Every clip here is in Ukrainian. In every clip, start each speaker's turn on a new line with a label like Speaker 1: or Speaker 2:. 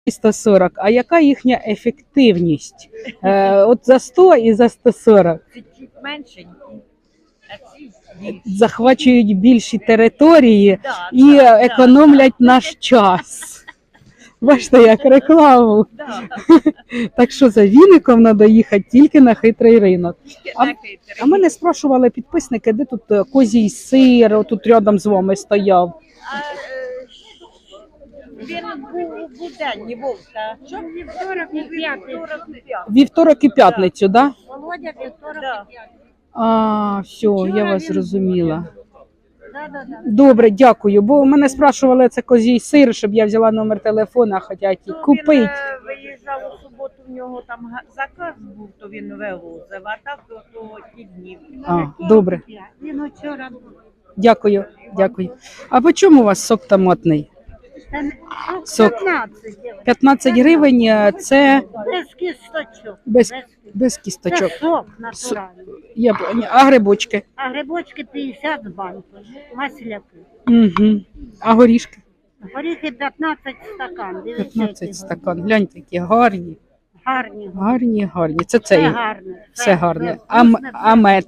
Speaker 1: 140, а яка їхня ефективність? От за 100 і за 140.
Speaker 2: Чуть-чуть меншенькі, а ці більші.
Speaker 1: Захвачують більші території
Speaker 2: Да,
Speaker 1: і
Speaker 2: да,
Speaker 1: економлять наш час. Бачите, як рекламу.
Speaker 2: да.
Speaker 1: Так що за віником треба їхати тільки на хитрий ринок.
Speaker 2: Тільки
Speaker 1: А-
Speaker 2: на хитрий.
Speaker 1: А мене спрашували підписники, де тут козій сир, тут рядом з вами стояв.
Speaker 2: Він був буденні, вовка. Що? Вівторок і п'ятницю.
Speaker 1: Вівторок і п'ятницю, так? Да?
Speaker 2: Володя, вівторок і п'ятницю.
Speaker 1: А, все, я вас зрозуміла.
Speaker 2: Да.
Speaker 1: Добре, дякую. Бо мене спрашували, це козій сир, щоб я взяла номер телефона, хочуть і купити.
Speaker 2: Він виїжджав у суботу, в нього там заказ був, то він вивозив, а так то ті дні.
Speaker 1: А, добре.
Speaker 2: Він вчора був.
Speaker 1: Дякую, дякую. А по чому у вас сок томатний? Сок.
Speaker 2: 15.
Speaker 1: 15 гривень, це
Speaker 2: Без кісточок.
Speaker 1: без
Speaker 2: Це
Speaker 1: кісточок.
Speaker 2: сок натуральний.
Speaker 1: Я поняла. А грибочки?
Speaker 2: А грибочки 50 банк, масляки.
Speaker 1: Угу. А горішки?
Speaker 2: Горіхи 15 стакан. Дивіться,
Speaker 1: 15
Speaker 2: які
Speaker 1: стакан. Гляньте, які гарні.
Speaker 2: гарні.
Speaker 1: Гарні. Це
Speaker 2: Це
Speaker 1: цей.
Speaker 2: гарне.
Speaker 1: Все гарне.
Speaker 2: Це
Speaker 1: А,
Speaker 2: вкусне,
Speaker 1: а мед?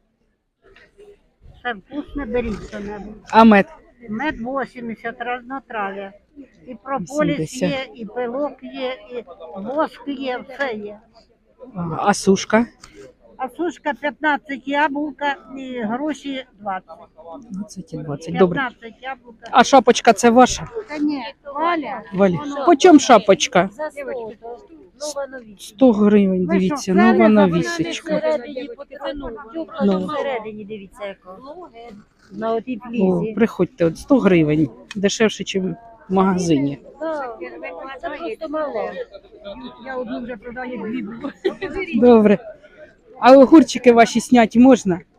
Speaker 2: Це вкусне, беріть що-небудь.
Speaker 1: А мед?
Speaker 2: Мед 80, разнотрав'я. І прополіс
Speaker 1: 80.
Speaker 2: є, і пилок є, і воск є, все є.
Speaker 1: А сушка?
Speaker 2: А сушка 15 яблука і гроші 20.
Speaker 1: 20 і 20. Добре.
Speaker 2: 15 яблука.
Speaker 1: А шапочка це ваша?
Speaker 2: Та ні, Валя.
Speaker 1: Валя. По чому шапочка?
Speaker 2: За 100. Нова нові.
Speaker 1: 100 гривень,
Speaker 2: Ви
Speaker 1: дивіться,
Speaker 2: що,
Speaker 1: нова
Speaker 2: це не
Speaker 1: новісечка.
Speaker 2: Всередині потягнула.
Speaker 1: Ну.
Speaker 2: Всередині, дивіться, яка. На отій
Speaker 1: О,
Speaker 2: плізі.
Speaker 1: приходьте, от 100 гривень. Дешевше, ніж в магазині.
Speaker 2: Це просто мало. Я одну вже продаю, дві було.
Speaker 1: Добре. А огурчики ваші сняти можна?